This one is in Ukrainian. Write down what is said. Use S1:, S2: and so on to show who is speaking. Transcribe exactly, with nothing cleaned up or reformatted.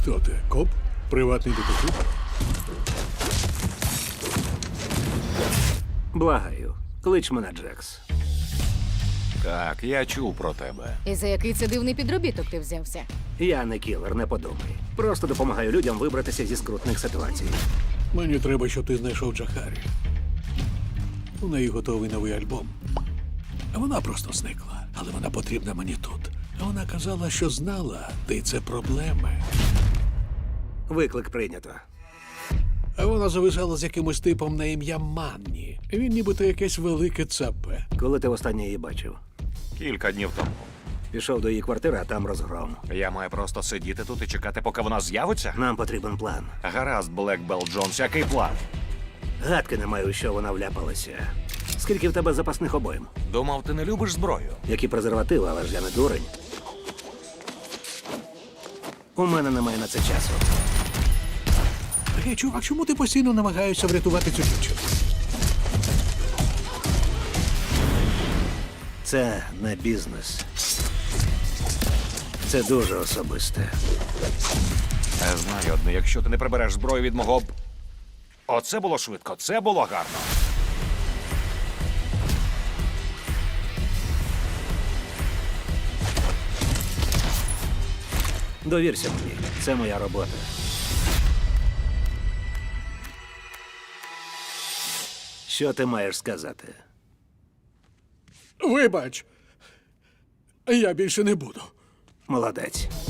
S1: Хто ти? Коп? Приватний детектив?
S2: Благаю, клич мене Джекс.
S3: Так, я чув про тебе.
S4: І за який це дивний підробіток ти взявся?
S2: Я не кілер, не подумай. Просто допомагаю людям вибратися зі скрутних ситуацій.
S1: Мені треба, щоб ти знайшов Джахарі. У неї готовий новий альбом. А вона просто зникла. Але вона потрібна мені тут. А вона казала, що знала, ти це проблеми.
S2: Виклик прийнято.
S1: А вона зависала з якимось типом на ім'я Манні. Він нібито якесь велике цапе.
S2: Коли ти востаннє її бачив?
S3: Кілька днів тому.
S2: Пішов до її квартири, а там розгром.
S3: Я маю просто сидіти тут і чекати, поки вона з'явиться?
S2: Нам потрібен план.
S3: Гаразд, Блек Белл Джонс, який план?
S2: Гадки не маю, що вона вляпалася. Скільки в тебе запасних обоїм?
S3: Думав, ти не любиш зброю.
S2: Які презервативи, але ж я не дурень. У мене немає на це часу.
S1: Гей, чувак, чому ти постійно намагаєшся врятувати цю дівчину?
S2: Це не бізнес. Це дуже особисте.
S3: Я знаю одне, якщо ти не прибереш зброю від мого... б- Оце було швидко, це було гарно.
S2: Довірся мені. Це моя робота. Що ти маєш сказати?
S1: Вибач, я більше не буду.
S2: Молодець.